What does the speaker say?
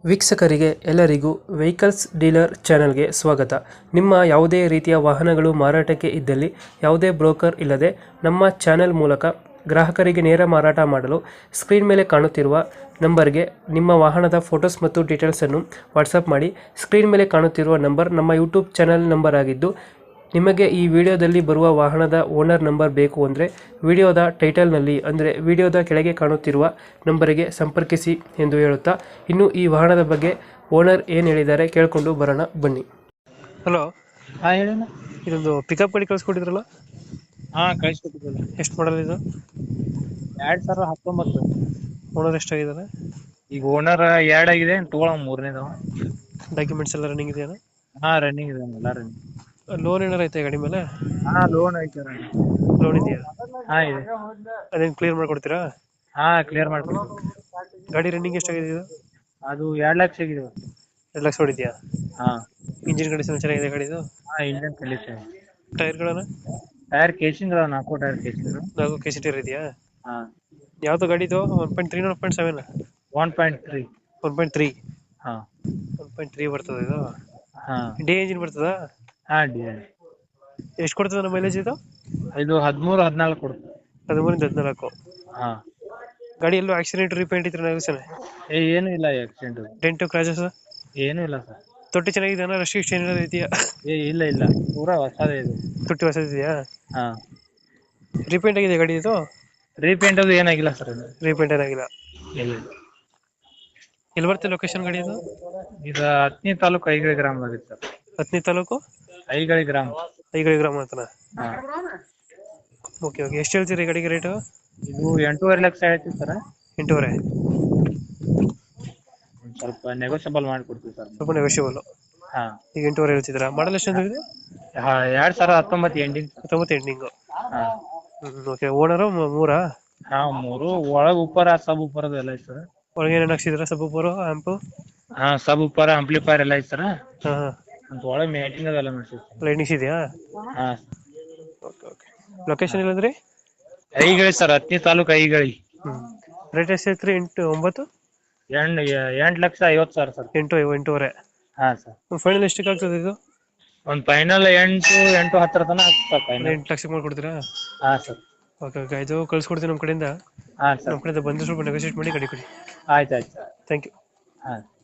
ವೀಕ್ಷಕರಿಗೆ ಎಲ್ಲರಿಗೂ vehicles dealer ಚಾನೆಲ್ಗೆ ಸ್ವಾಗತ. ನಿಮ್ಮ ಯಾವುದೇ ರೀತಿಯ ವಾಹನಗಳು ಮಾರಾಟಕ್ಕೆ ಇದ್ದಲ್ಲಿ ಯಾವುದೇ ಬ್ರೋಕರ್ ಇಲ್ಲದೆ ನಮ್ಮ ಚಾನೆಲ್ ಮೂಲಕ ಗ್ರಾಹಕರಿಗೆ ನೇರ ಮಾರಾಟ ಮಾಡಲು ಸ್ಕ್ರೀನ್ ಮೇಲೆ ಕಾಣುತ್ತಿರುವ ನಂಬರ್ಗೆ ನಿಮ್ಮ ವಾಹನದ ಫೋಟೋಸ್ ಮತ್ತು ಡೀಟೇಲ್ಸನ್ನು ವಾಟ್ಸಪ್ ಮಾಡಿ. ಸ್ಕ್ರೀನ್ ಮೇಲೆ ಕಾಣುತ್ತಿರುವ ನಂಬರ್ ನಮ್ಮ ಯೂಟ್ಯೂಬ್ ಚಾನೆಲ್ ನಂಬರ್ ಆಗಿದ್ದು, ನಿಮಗೆ ಈ ವಿಡಿಯೋದಲ್ಲಿ ಬರುವ ವಾಹನದ ಓನರ್ ನಂಬರ್ ಬೇಕು ಅಂದರೆ ವಿಡಿಯೋದ ಟೈಟಲ್ನಲ್ಲಿ ಅಂದರೆ ವಿಡಿಯೋದ ಕೆಳಗೆ ಕಾಣುತ್ತಿರುವ ನಂಬರಿಗೆ ಸಂಪರ್ಕಿಸಿ ಎಂದು ಹೇಳುತ್ತಾ, ಇನ್ನು ಈ ವಾಹನದ ಬಗ್ಗೆ ಓನರ್ ಏನು ಹೇಳಿದ್ದಾರೆ ಕೇಳಿಕೊಂಡು ಬರೋಣ ಬನ್ನಿ. ಹಲೋ, ಹಾ ಹೇಳಣ್ಣ. ಇದೊಂದು ಪಿಕಪ್ ಗಾಡಿ ಕಳಿಸ್ಕೊಟ್ಟಿದ್ರಲ್ಲ, ಹಾ ಕಳಿಸ್ಕೊಟ್ಟಿದ್ರಲ್ಲ. ಎಷ್ಟು ಮಾಡಲ್ ಇದು? 2019. ಓನರ್ ಎಷ್ಟಾಗಿದ್ದಾರೆ? ಈಗ ಓನರ್ 2 ಆಗಿದೆ, ತಗೊಳ ಮೂರನೇದು. ಡಾಕ್ಯುಮೆಂಟ್ಸ್ ಎಲ್ಲ ರನ್ನಿಂಗ್ ಇದೆಯಾ? ಹಾ ರನ್ನಿಂಗ್ ಇದೆ, ಎಲ್ಲ ರನ್ನಿಂಗ್. ಲೋನ್ ಏನಾರ ಐತೆ ಗಾಡಿ ಮೇಲೆ? ಹಾ ಲೋನ್ ಐತೆ. ಲೋನ್ ಇದೆಯಾ? ಹಾ ಇದೆ. ಅದೇನು ಕ್ಲಿಯರ್ ಮಾಡ್ಕೊಡ್ತೀರಾ? ಹಾ ಕ್ಲಿಯರ್ ಮಾಡ್ಕೊಡ್ತೀವಿ. ಗಾಡಿ ರನ್ನಿಂಗ್ ಎಷ್ಟಾಗಿದೆ ಇದು? ಅದು 2 ಲಕ್ಷ ಆಗಿದೆ. 2 ಲಕ್ಷ ಹೊಡಿದ್ಯಾ? ಹಾ ಇಂಜಿನ್ ಕಂಡೀಷನ್ ಚೆನ್ನಾಗಿದೆ ಗಾಡಿದು? ಹಾ ಇಂಜಿನ್ ಕಂಡೀಷನ್. ಟೈರ್ಗಳನ್ನ? ಟೈರ್ ಕೇಸಿಂಗ್ ಅದಾವ, 4 tyre casing. 4 K C tyre ಇದೆಯಾ? ಹಾ. ಯಾವ್ದು ಗಾಡಿದು? 1.3 1.7? 1.3. 1.3. ಹಾ 1.3 ಬರ್ತದೆ ಇದು? ಹಾ ಡಿ ಇಂಜಿನ್ ಬರ್ತದಾ? ಹಾ ಡಿ. ಎಷ್ಟು ಕೊಡ್ತದೆ ನಮ್ಮ ಮೈಲೇಜ್ ಇದು? ಇದು 13-14 ಕೊಡುತ್ತೆ. 13-14. ಹಾ. ಗಾಡಿ ಎಲ್ಲೂ ಆಕ್ಸಿಡೆಂಟ್ ರಿಪೇಂಟ್ ಇದ್ರೆ ಏನು ಇಲ್ಲ ಆಕ್ಸಿಡೆಂಟ್. ಡೆಂಟು ಕ್ರಾಚಸ್ ಏನು ಇಲ್ಲ ಸರ್. ತೊಟ್ಟಿ ಚೆನ್ನಾಗಿದೆ, ರಶ್ ಏನಾದ್ರು ಇದೆಯಾ? ಇಲ್ಲ ಇಲ್ಲ, ಪೂರಾ ಹೊಸದೇ ಇದು. ತೊಟ್ಟಿ ಹೊಸದಿದೆಯಾ? ಹಾ. ರಿಪೇಂಟ್ ಆಗಿದೆ ಗಾಡಿ ಇದು? ರೀಪೇಂಟ್ ಅದು ಏನಾಗಿಲ್ಲ ಸರ್. ರಿಪೇಂಟ್ ಏನಾಗಿಲ್ಲ. ಇಲ್ಲ. ಎಲ್ಲಿ ಬರುತ್ತೆ ಲೊಕೇಶನ್ ಗಾಡಿ ಇದು? ಇದು ಹತ್ತನೇ ತಾಲೂಕು ಐಗಳಿ ಗ್ರಾಮದಾಗ ಸರ್. ಹತ್ತನೇ ತಾಲೂಕು ಐಗಳಿ ಗ್ರಾಮ. ಐಗಳಿ ಗ್ರಾಮ ಅಂತನಾ? ಹಾ. Okay okay. ಎಷ್ಟು ಹೇಳ್ತೀರಿ ಗಾಡಿಗೆ ರೇಟು? ಇದು 8.5 ಲಕ್ಷ ಹೇಳ್ತೀವಿ ಸರ್. 8.5? ಸ್ವಲ್ಪ ನೆಗೋಷಿಯಬಲ್ ಮಾಡಿಕೊಡ್ತೀವಿ ಸರ್. ಸ್ವಲ್ಪ ನೆಗೋಷಿಯಬಲ್. ಹಾ. ಈಗ 8.5 ಹೇಳ್ತಿದ್ದೀರಾ? ಮಾಡಲ್ ಎಷ್ಟು ಅಂದ್ರೆ ಇದು? 2019 ಎಂಡಿಂಗ್. 19 ಎಂಡಿಂಗು. ಹಾ. ಓಕೆ. ಓನರು 3? ಹಾ 3. ಒಳಗ್ ಉಪ್ಪರ ಸಬ್ ಉಪ್ಪರದ ಎಲ್ಲ ಐತೆ ಸರ್. ಒಳಗೆ ಏನೇನು ಹಾಕ್ಸಿದ್ರ? ಸಬ್ ಉಪ್ಪರು, ಆಂಪು? ಹಾ ಸಬ್ ಉಪ್ಪರ, ಆಂಪ್ಲಿಫೈರ್ ಎಲ್ಲ ಐತೆ ಸರ್. ಹಾ ಹಾ. ಅಂತ ಒಳಗೆ ಮೇಟಿಂಗ್ ಅದೆಲ್ಲ ಮಾಡ್ತೀವಿ. ಲೈಟಿಂಗ್ಸ್ ಇದೆಯಾ? ಹಾ. Okay okay. ಲೊಕೇಶನ್ ಇಲ್ಲಂದ್ರಿ? ಐಗಳಿ ಸರ್, ಹತ್ತನೇ ತಾಲೂಕು ಐಗಳಿ. ರೇಟ್ ಎಷ್ಟು ಹೇಳ್ತೀರಿ? 9? 8,50,000 ಸರ್. 8.5? ಹಾ ಸರ್. ಫೈನಲ್ ಎಷ್ಟಕ್ಕೆ ಆಗ್ತದೆ ಇದು? ಒಂದು ಫೈನಲ್ 8-10 ತನಕ ಆಗ್ತದೆ ಫೈನಲ್. 8 ಲಕ್ಷಕ್ಕೆ ಮಾಡ್ಕೊಡ್ತೀರಾ? ಹಾ ಸರ್. Okay okay. ಇದು ಕಳ್ಸ್ಕೊಡ್ತೀನಿ ನಮ್ಮ ಕಡೆಯಿಂದ. ಹಾ ಸರ್. ನಮ್ಮ ಕಡೆಯಿಂದ ಬಂದು ಸ್ವಲ್ಪ ನೆಗೋಷಿಯೇಟ್ ಮಾಡಿ ಗಾಡಿ ಕೊಡಿ. ಆಯ್ತು. Thank you. ಹಾ.